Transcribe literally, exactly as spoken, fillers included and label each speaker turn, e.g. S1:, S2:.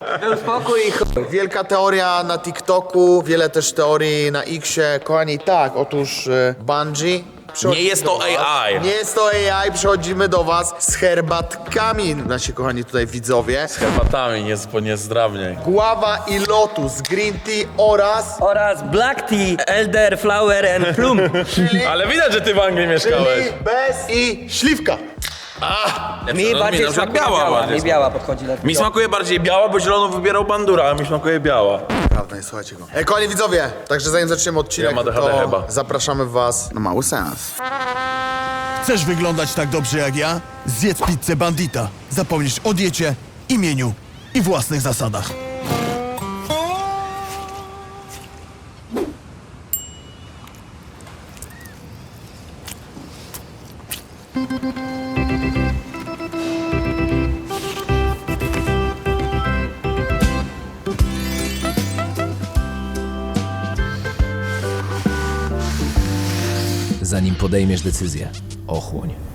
S1: Był spokój i chuj.
S2: Wielka teoria na TikToku, wiele też teorii na Xie. Kochani, tak, otóż y, Bungie.
S3: Nie jest to
S2: do was.
S3: A I.
S2: Nie jest to A I, przychodzimy do was z herbatkami, nasi kochani tutaj widzowie.
S3: Z herbatami, nie, nie zdrawniej.
S2: Guava i lotus, green tea oraz...
S1: Oraz black tea, elder, flower and plum.
S3: Ale widać, że ty w Anglii mieszkałeś.
S2: Czyli bez i śliwka.
S1: Mi
S3: no,
S1: bardziej
S3: mi na przykład
S1: smakuje
S3: biała
S1: biała,
S3: bardziej
S1: mi biała podchodzi lepiej.
S3: Mi smakuje bardziej biała, bo zielono wybierał Bandura, a mi smakuje biała.
S2: Prawda, nie słuchajcie go. E, kochani widzowie, także zanim zaczniemy odcinek,
S3: Ja mam A D H D
S2: to
S3: chyba.
S2: zapraszamy was na mały seans.
S4: Chcesz wyglądać tak dobrze jak ja? Zjedz pizzę Bandita. Zapomnisz o diecie, imieniu i własnych zasadach.
S5: Zanim podejmiesz decyzję, ochłoń.